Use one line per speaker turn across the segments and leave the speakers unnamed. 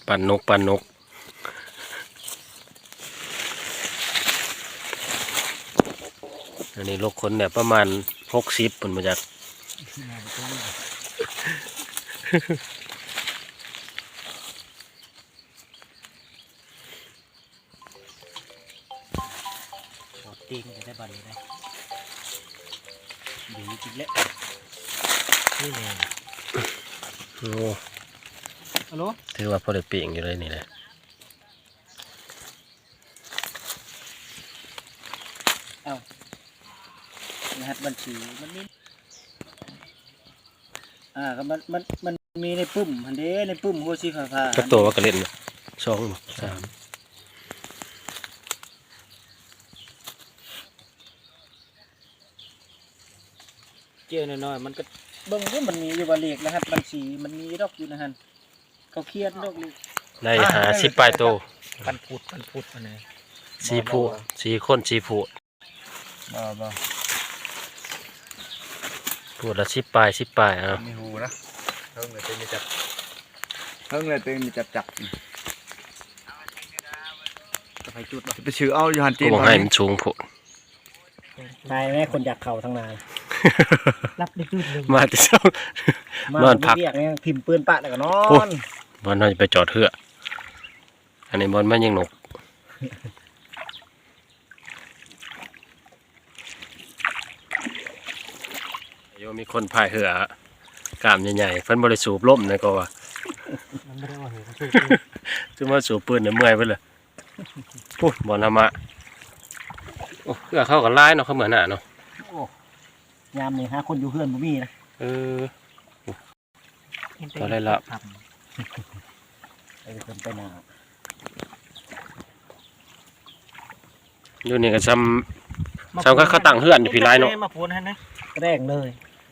ปั่นนกปั่นนกอันนี้ลูกคนเนี่ยประมาณ60ปุ่นมาจาก
ตีนได้บันเลยดีจริงเลยนี่ไง
โอ้
ฮัลโหล
ถือว่าพอได้เปลี่ยนอยู่เลยนี่แหละ
รหัสบัญชีมันมีก็มันมีในปุ่มอันเด้ในปุ่มหัวสีฟ้า
ก็ตัวว่ากระเล่น2 3
เจียวน้อยๆมันก็เบิ่งว่ามันมีอยู่ว่าเลขรหัสบัญชีมันมีดอกอยู่นะฮะเขาเครียดดอกเลย
ได้50ปลายโต
ปันพุดมาไหน
4ผู้4คน4ผู้
บ่
พูดละ10ปลาย
มีหูนะเพิ่งเลยเต็มมีจับจับ
จะไปจุด
ไปชื่อเอาอยู่หันจีน
ก็ให้มันสูงโพด
นายแม่คนอยากเข่าทั้งนายรับได้จุดนึง
มาแต่เช้านอนพัก
เนี่ยพิมพ์ปืนปะแล้วก็นอน
บอลน่าจะไปจอดเหืออันนี้บอลมันยังหนกโยมีคนพายเหือกล้ามใหญ่ๆเพิ่นบริสูบล่มนะก็ว่า
มันไม่ได้ว่าเหือ
จะมาสูบปืนเนี่ยเมื่อยไปเลยพูดบอลธรรมะโอ้เหือเข้ากับไล่เนาะเขาเหมือนหน้าเนาะ
ยามนี่ฮะคนอยู่เพื่อนบ่มีนะ
ก็ได้ละ
ไปหนา
อยู่นี่ก็ซ้ำก็เขาตั้งเฮือนอยู่พี่ไล่เนาะ
มาพูนให้นะแรงเลย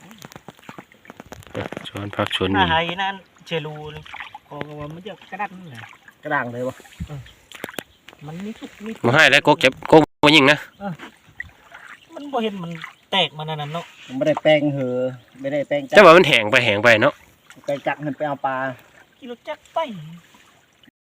ชวนพักชวน
นี่ไอ้นั่นเชลูนี่พอว่ามันจะกระดังนี่กระดังเลยวะมันมีทุก
มาให้แล้วก็เก็บก็มายิงนะ
มันบ่เห็นมันแตกมันนั่นเนาะไม่ได้แป้งเหอไม่ได้แป้ง
จักว่ามันแห้งไปเนาะ
ไปจักมันไปเอาปลากิโลจักไป